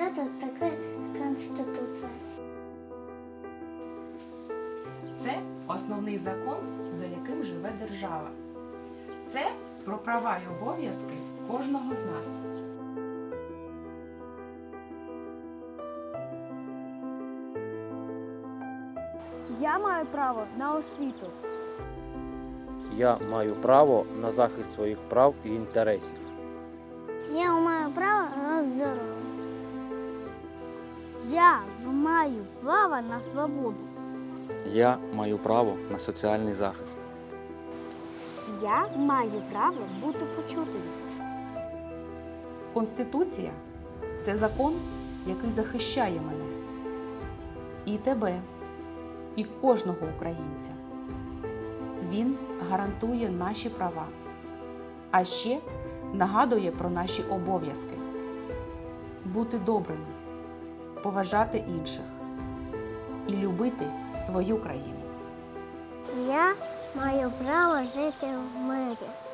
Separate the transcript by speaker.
Speaker 1: это такая конституция.
Speaker 2: Це основний закон, за яким живе держава. Це про права й обов'язки кожного з нас.
Speaker 3: Я маю право на освіту.
Speaker 4: Я маю право на захист своїх прав і інтересів.
Speaker 1: Я маю право на здоровье.
Speaker 3: Я маю право на свободу.
Speaker 5: Я маю право на соціальний захист.
Speaker 3: Я маю право бути почутим.
Speaker 2: Конституція – це закон, який захищає мене. І тебе, і кожного українця. Він гарантує наші права, а ще нагадує про наші обов'язки. Бути добрими, поважати інших і любити свою країну.
Speaker 1: Я маю право жити в мирі.